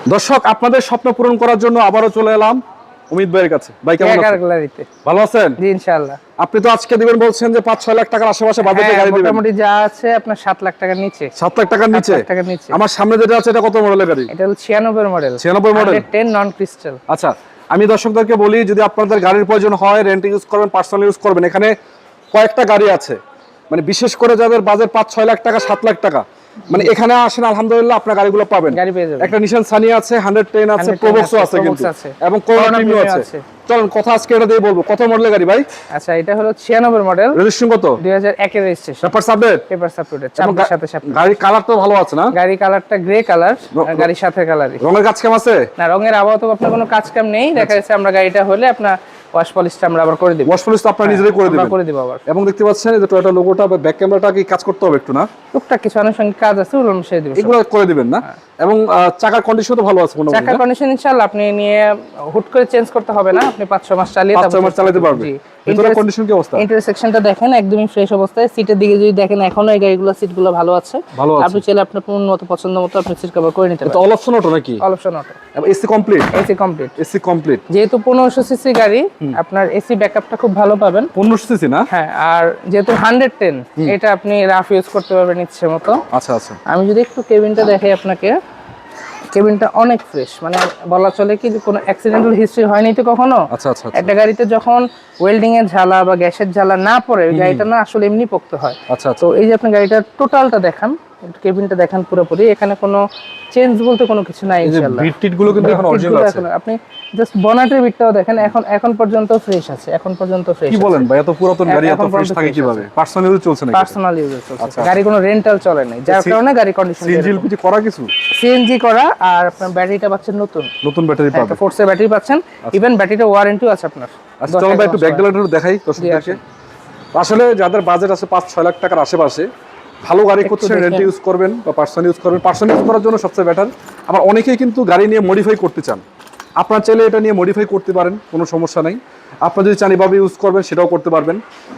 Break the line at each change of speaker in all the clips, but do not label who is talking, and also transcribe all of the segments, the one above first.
দর্শক, আপনাদের স্বপ্ন পূরণ করার জন্য আবারও চলে এলাম অমিত ভাইয়ের কাছে। ভাই কেমন আছেন? ভালো আছেন?
জি ইনশাআল্লাহ।
আপনি তো আজকে দিবেন বলছেন যে 5-6 লাখ টাকার আশেপাশে বাজেটে গাড়ি দিবেন।
মোটামুটি যা আছে আপনার 7 লাখ টাকার নিচে।
7 লাখ টাকার নিচে?
7 লাখ টাকার নিচে।
আমার সামনে যেটা আছে এটা কত মডেলের গাড়ি?
এটা হলো 96 মডেল।
96 মডেল
10 নন ক্রিস্টাল।
আচ্ছা, আমি দর্শকদেরকে বলি, যদি আপনাদের গাড়ির প্রয়োজন হয়, রেন্ট ইউজ করবেন, পার্সোনাল ইউজ করবেন, এখানে কয়েকটা গাড়ি আছে। মানে বিশেষ করে যাদের বাজেট 5-6 লাখ টাকা, 7 লাখ টাকা, মানে এখানে আসেন, আলহামদুলিল্লাহ আপনার গাড়িগুলো পাবেন।
গাড়ি পেয়ে যাবেন।
একটা নিশান সানি আছে, 110 আছে, প্রোবক্সও আছে কিন্তু, এবং করোনা প্রিমিয়াম আছে। চলুন কথা আজকে এটা দিয়ে বলবো। কত মডেলের গাড়ি ভাই?
আচ্ছা, এটা হলো 96 মডেল।
রেজিস্ট্রেশন কত?
2001 এর registration.
Paper submit?
Paper submit. চাবির সাথে সাথে।
গাড়ির কালার তো ভালো আছে না?
গাড়ি কালারটা গ্রে কালার, গাড়ির সাথে কালারই।
রঙের কাজ কাম আছে?
না, রঙের আপাতত আপনার কোনো কাজ কাম নেই। দেখা যাচ্ছে আমরা গাড়িটা হলে আপনার ওয়াশ পলিশটা আমরা আবার করে দেব।
ওয়াশ পলিশ তো আপনারা নিজেরাই করে দিবেন?
আমরা করে দেব আবার।
এবং দেখতে পাচ্ছেন এই যে টয়োটা লোগোটা বা ব্যাক ক্যামেরাটা কি কাজ করতে হবে একটু না?
টুকটাক কিছু আনুষঙ্গিক কাজ আছে, ওগুলো আমি সেরে দেব।
এগুলো করে দিবেন না? এবং চাকার কন্ডিশন তো ভালো আছে মোটামুটি?
চাকার কন্ডিশন ইনশাআল্লাহ আপনি নিয়ে হুট করে চেঞ্জ করতে হবে না। আপনি 5-6 মাস চালিয়ে
5-6 মাস চালাতে পারবেন। ভিতরের কন্ডিশন কি অবস্থা?
ইন্টারসেকশনটা দেখেন একদমই ফ্রেশ অবস্থায়। সিটের দিকে যদি দেখেন এখনো এই গাড়িগুলো সিটগুলো ভালো আছে। আপনি চাইলে আপনার মতো পছন্দ মতো আপনি সিট কভার করে নিতে পারেন।
এটা অল অপশন অটো নাকি?
All option auto.
এবং AC complete?
AC complete.
AC complete.
যেহেতু 1500 সিসি গাড়ি, আপনার এসি ব্যাকআপটা খুব ভালো পাবেন।
1500 সিসি না?
হ্যাঁ, আর যেহেতু 110 এটা আপনি রাফ ইউজ করতে পারবেন ইচ্ছে মতো।
আচ্ছা আচ্ছা।
আমি যদি একটু কেবিনটা দেখাই আপনাকে, কেবিনটা অনেক ফ্রেশ, মানে বলা চলে কি কোনো অ্যাক্সিডেন্টাল হিস্ট্রি হয়নি তো কখনো।
আচ্ছা আচ্ছা।
একটা গাড়িতে যখন ওয়েল্ডিং এর ঝালা বা গ্যাসের ঝালা না পড়ে, ওই গাড়িটা না আসলে এমনি পড়তে হয়।
আচ্ছা।
তো এই যে আপনি গাড়িটার টোটালটা দেখান, কেবিনটা দেখান পুরোপুরি, এখানে কোনো চেঞ্জ বলতে কোনো কিছু নাই ইনশাআল্লাহ।
বিট টিট গুলো কিন্তু এখন অরিজিনাল আছে।
আপনি জাস্ট বনেটের বিটটাও দেখেন, এখন পর্যন্ত ফ্রেশ আছে। এখন পর্যন্ত ফ্রেশ।
কি বলেন ভাই, এত পুরাতন গাড়ি এত ফ্রেশ থাকে কিভাবে? পার্সোনাল ইউজ চলছে নাকি?
পার্সোনাল ইউজে চলছে। গাড়ি কোনো রেন্টাল চলে নাই, যার কারণে গাড়ি কন্ডিশন
সিএনজি এলপিজি করা কিছু?
সিএনজি করা, আর আপনার ব্যাটারিটা পাচ্ছেন নতুন
ব্যাটারি পাবেন।
ফোর্সের ব্যাটারি পাচ্ছেন, ইভেন ব্যাটারিটা ওয়ারেন্টিও আছে আপনার।
আচ্ছা চলো ভাই একটু ব্যাক গ্যালারিটা দেখাই দর্শকদেরকে। আসলে যাদের বাজেট আছে 5-6 লাখ টাকার আশেপাশে, ভালো গাড়ি করছেন, রেন্ট ইউজ করবেন বা পার্সোনাল ইউজ করবেন, পার্সোনাল ইউজ করার জন্য সবচেয়ে বেটার। আবার অনেকেই কিন্তু গাড়ি নিয়ে মডিফাই করতে চান, আপনার চাইলে এটা নিয়ে মডিফাই করতে পারেন, কোনো সমস্যা নাই। আপনার যদি চান এভাবে ইউজ করবেন সেটাও করতে পারবেন।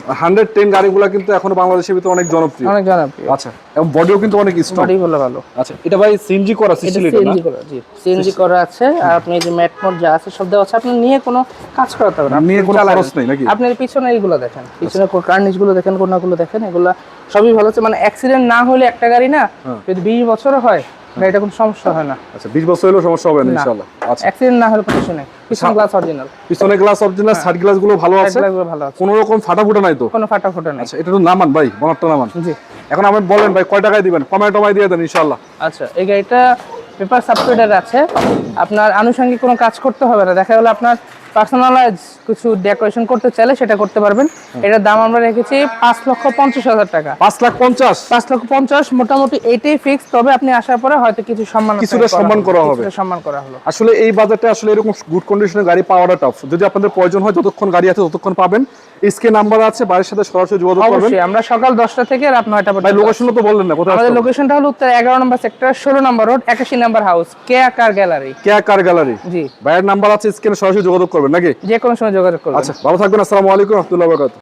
110 গাড়িগুলো কিন্তু এখনো বাংলাদেশের ভিতরে অনেক জনপ্রিয়। আচ্ছা, এবং বডিও কিন্তু অনেক স্ট্রং,
বডি ভালো।
আচ্ছা, এটা ভাই সিএনজি করা?
সিএনজি করা, জি সিএনজি করা আছে। আর আপনি যে ম্যাট মোড যা আছে সব দেওয়া আছে, আপনি নিয়ে কোনো কাজ করাতে হবে না,
নিয়ে কোনো খরচ নেই নাকি?
আপনি পিছনে এইগুলো দেখেন, পিছনে কার্নিশগুলো দেখেন, কোনাগুলো দেখেন, এগুলা সবই ভালো আছে। মানে অ্যাক্সিডেন্ট না হলে একটা গাড়ি না, যদি 20 বছরও হয় গাড়িটা কোনো সমস্যা হয় না।
আচ্ছা, 20 বছর হলেও সমস্যা হবে না ইনশাআল্লাহ। আচ্ছা,
অ্যাক্সিডেন্ট না হলে কিছু নেই। পিছনে গ্লাস অরিজিনাল,
পিছনে গ্লাস অরিজিনাল, সাইড গ্লাসগুলো ভালো আছে, কোনো রকম ফাটাফুটা নাই তো?
কোনো ফাটাফুটা নাই।
আচ্ছা, এটা তো নামান ভাই, বনারটা নামান।
জি,
এখন আপনি বলেন ভাই কয় টাকায় দিবেন? কমায় টমায় দিয়ে দেন ইনশাআল্লাহ।
আচ্ছা, এই গাড়িটা পেপার সাবমিটেড আছে, আপনার আনুষঙ্গিক কোনো কাজ করতে হবে না। দেখা গেল আপনার পার্সোনালাইজ কিছু ডেকোরেশন করতে চাইলে সেটা করতে পারবেন। এটার দাম আমরা রেখেছি 5,50,000 টাকা।
5,50,000?
5,50,000 মোটামুটি এটাই ফিক্স। তবে আপনি আসার পরে হয়তো কিছুটা সম্মান করা হলো।
আসলে এই বাজেটে আসলে এরকম গুড কন্ডিশনের গাড়ি পাওয়াটা টাফ। যদি আপনাদের প্রয়োজন হয়, যতক্ষণ গাড়ি আছে ততক্ষণ পাবেন। স্ক্রিনে নাম্বার আছে, বাড়ির সাথে সরাসরি যোগাযোগ করবেন।
অবশ্যই, আমরা সকাল 10টা থেকে রাত 9টা পর্যন্ত।
ভাই লোকেশনটা তো বললেন না, কোথায়?
আমাদের লোকেশনটা হলো উত্তর 11 number sector, 16 number road, 81 number house, Keya car gallery.
Keya car gallery,
জি।
ভাইয়ের নাম্বার আছে, স্ক্রিনে সরাসরি যোগাযোগ করবেন নাকি?
যে কোনো সময় যোগাযোগ করবেন।
আচ্ছা, ভালো থাকবেন। আসসালামু আলাইকুম ওয়া রাহমাতুল্লাহি ওয়া বারাকাতুহু।